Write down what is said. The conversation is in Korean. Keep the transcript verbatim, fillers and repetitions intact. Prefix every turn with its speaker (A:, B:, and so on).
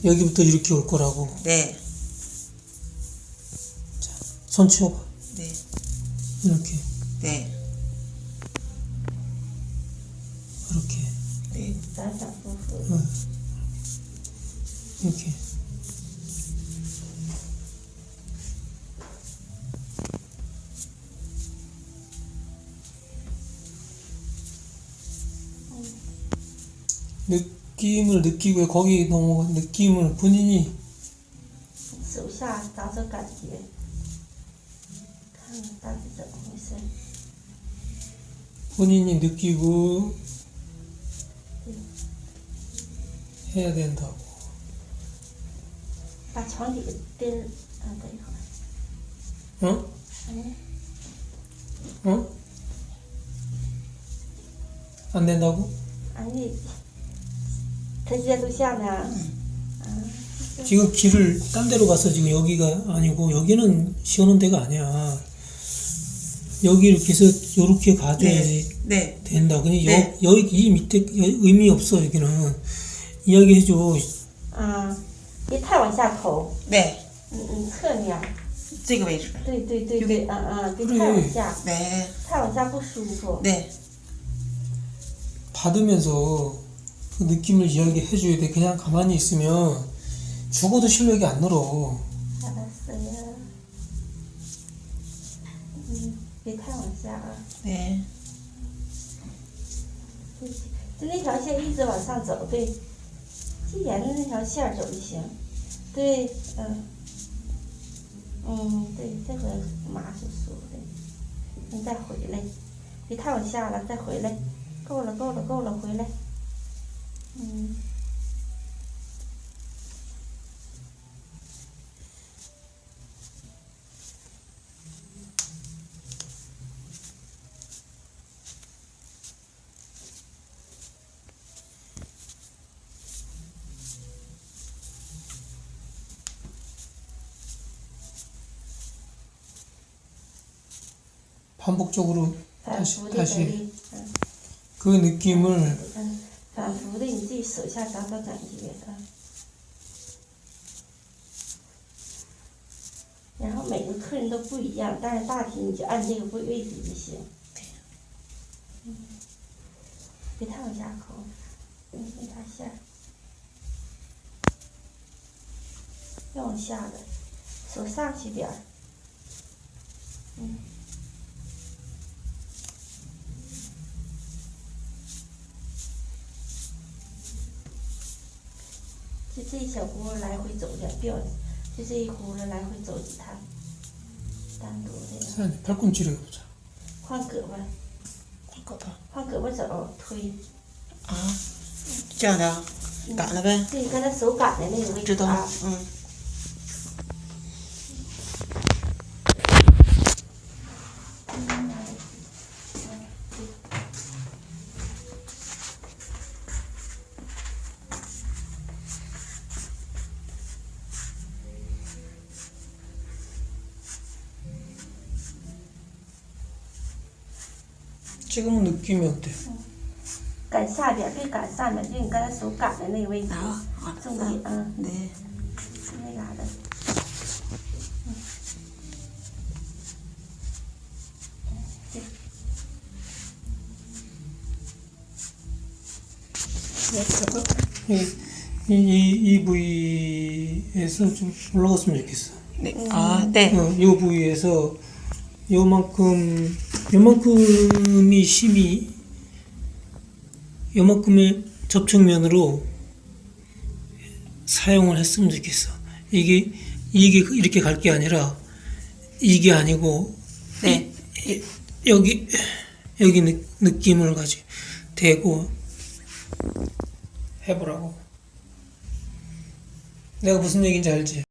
A: 여기부터 이렇게 올 거라고.
B: 네.
A: 자, 손 치워봐.
B: 네.
A: 이렇게.
B: 네.
A: 이렇게.
B: 네.
A: 응. 이렇게. 느낌을 느끼고 거기 넘어가 느낌을 본인이
C: 手下找找感觉，看看到底怎么回事。
A: 본인이 느끼고 해야 된다고.
C: 把床底给钉儿，啊，等一会儿。
A: 어?
C: 嗯，
A: 어? 안 된다고?
C: 아니, 他现在录像呢。啊，
A: 지금 길을 딴 데로 가서 지금 여기가 아니고 여기는 시원한 데가 아니야. 여기 이렇게 해서 요렇게 가줘야지
B: 네.
A: 된다. 근데
B: 네.
A: 여, 여기 이 밑에 여- 의미 없어. 여기는 이야기해줘.
C: 啊，别太往下抠，
B: 네.
C: 嗯嗯，侧面。
B: 这个位置.
C: 对对对对，嗯嗯，别
A: 그래.
C: 太往下，
B: 네.
C: 太往下不舒服。
B: 네.
A: 받으면서 그 느낌을 이야기해줘야 돼. 그냥 가만히 있으면 죽어도 실력이 안 늘어.
C: 알았어요. 음, 别太往下啊。
B: 네.
C: 对，就那条线一直往上走，对，就沿着那条线儿走就行。对，嗯，嗯，对，这回麻是舒服的。你再回来，别太往下了，再回来，够了，够了，够了，回来。嗯。
A: 반복적으로
C: 反
A: 다시
C: 复的
A: 다시
C: 努力，嗯
A: 그 느낌을
C: 嗯，反复的你自己手下找找感觉，嗯。然后每个客人都不一样，但是大体你就按这个位位置就行。嗯，别太往下抠，嗯，那条线儿，要往下的，手上去点儿，嗯。 就这一小轱辘来回走点，别往，就这一轱辘来回走几趟，单独的。
A: 자, 팔꿈치를 해보자.
C: 换胳膊，
B: 胳膊.
C: 换胳膊走，推。
B: 아, 这样的啊，赶了呗。
C: 对，你刚才手赶的那个位置
B: 知道
C: 啊。
B: 嗯。
A: 지금은 느낌이 어때?
C: 赶下边，别赶上面，就你刚才手赶的那个位置，
B: 아, 아,
C: 重点，嗯，
B: 네.
C: 是那嘎达。嗯。对。
A: 이, 이, 이 부위에서 좀 올라갔으면 좋겠어.
B: 네. 아, 네.
A: 어, 이 부위에서 요만큼 요만큼이 힘이 요만큼의 접촉면으로 사용을 했으면 좋겠어. 이게 이게 이렇게 갈 게 아니라 이게 아니고
B: 네.
A: 이, 이, 여기 여기 느, 느낌을 가지고 대고 해보라고. 내가 무슨 얘기인지 알지?